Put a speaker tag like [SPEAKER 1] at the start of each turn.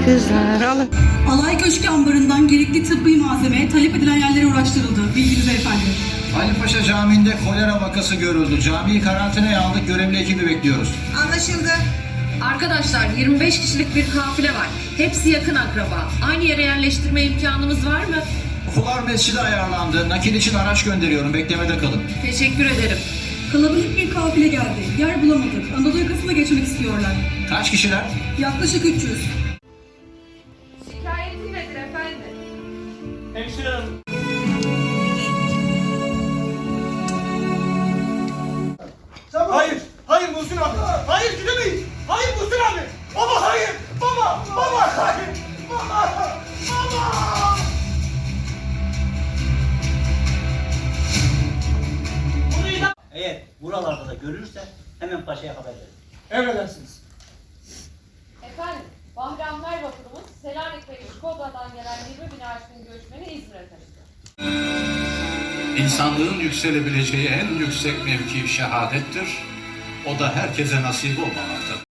[SPEAKER 1] Kızlar alın.
[SPEAKER 2] Alay Köşkü ambarından gerekli tıbbi malzeme talep edilen yerlere ulaştırıldı. Bilginize efendim.
[SPEAKER 3] Ali Paşa Camii'nde kolera vakası görüldü. Camiyi karantinaya aldık. Görevli ekibi bekliyoruz.
[SPEAKER 4] Anlaşıldı.
[SPEAKER 5] Arkadaşlar 25 kişilik bir kafile var. Hepsi yakın akraba. Aynı yere yerleştirme imkanımız var mı?
[SPEAKER 3] Fular mescidi ayarlandı. Nakil için araç gönderiyorum. Beklemede kalın.
[SPEAKER 5] Teşekkür ederim.
[SPEAKER 2] Kalabalık bir kafile geldi. Yer bulamadık. Anadolu yakasına geçmek istiyorlar.
[SPEAKER 3] Kaç kişiler?
[SPEAKER 2] Yaklaşık 300.
[SPEAKER 5] Şikayeti nedir efendim?
[SPEAKER 6] Hemşire hanım. Hayır, hayır Muhsin abi. Hayır gidemeyiz. Hayır Muhsin abi. Baba hayır. Baba, baba hayır. Baba, baba.
[SPEAKER 7] Eğer buralarda da görürse hemen paşaya haber verin.
[SPEAKER 6] Emredersiniz.
[SPEAKER 8] Efendim, Bahri Anlar vapurumuz Selanik ve Üsküdar'dan gelen 20 bin aşkın göçmeni İzmir'e taşıdı.
[SPEAKER 9] İnsanlığın yükselebileceği en yüksek mevki şehadettir. O da herkese nasip olmamaktadır.